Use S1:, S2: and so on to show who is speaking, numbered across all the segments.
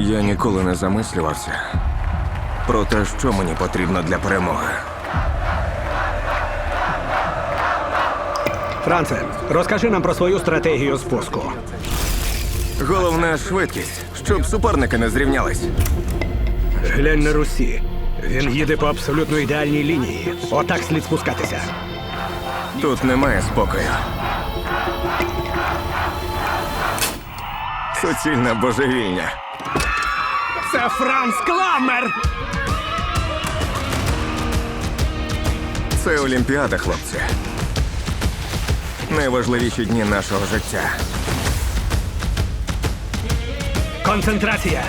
S1: Я ніколи не замислювався про те, що мені потрібно для перемоги.
S2: Франце, розкажи нам про свою стратегію спуску.
S1: Головне – швидкість, щоб суперники не зрівнялись.
S2: Глянь на Русі. Він їде по абсолютно ідеальній лінії. Отак слід спускатися.
S1: Тут немає спокою. Суцільна божевільня.
S2: Це Франц Кламмер!
S1: Це Олімпіада, хлопці. Найважливіші дні нашого життя.
S2: Концентрація!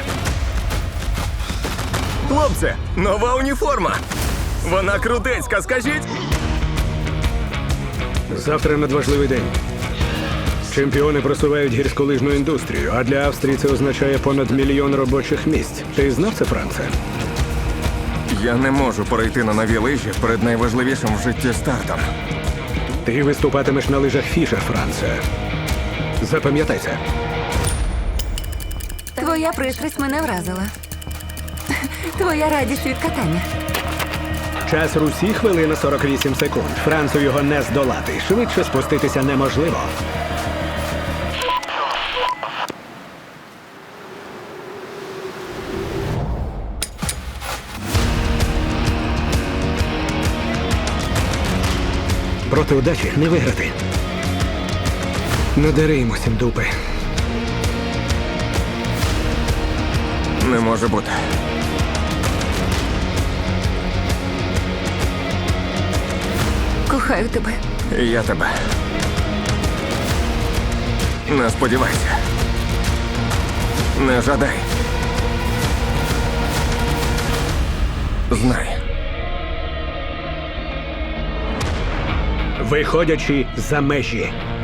S1: Хлопці, нова уніформа! Вона крутецька, скажіть!
S2: Завтра надважливий день. Чемпіони просувають гірськолижну індустрію, а для Австрії це означає понад 1 мільйон робочих місць. Ти знав це, Франце?
S1: Я не можу перейти на нові лижі перед найважливішим в житті стартом.
S2: Ти виступатимеш на лижах Фішер, Франце. Запам'ятай це.
S3: Твоя пристрасть мене вразила. Твоя радість від катання.
S2: Час Русі – хвилина 48 секунд. Францу його не здолати. Швидше спуститися неможливо. Проти удачі не виграти. Надари йому сім дупи.
S1: Не може бути.
S3: Кохаю тебе.
S1: І я тебе. Не сподівайся. Не жадай. Знай.
S2: Виходячи за межі.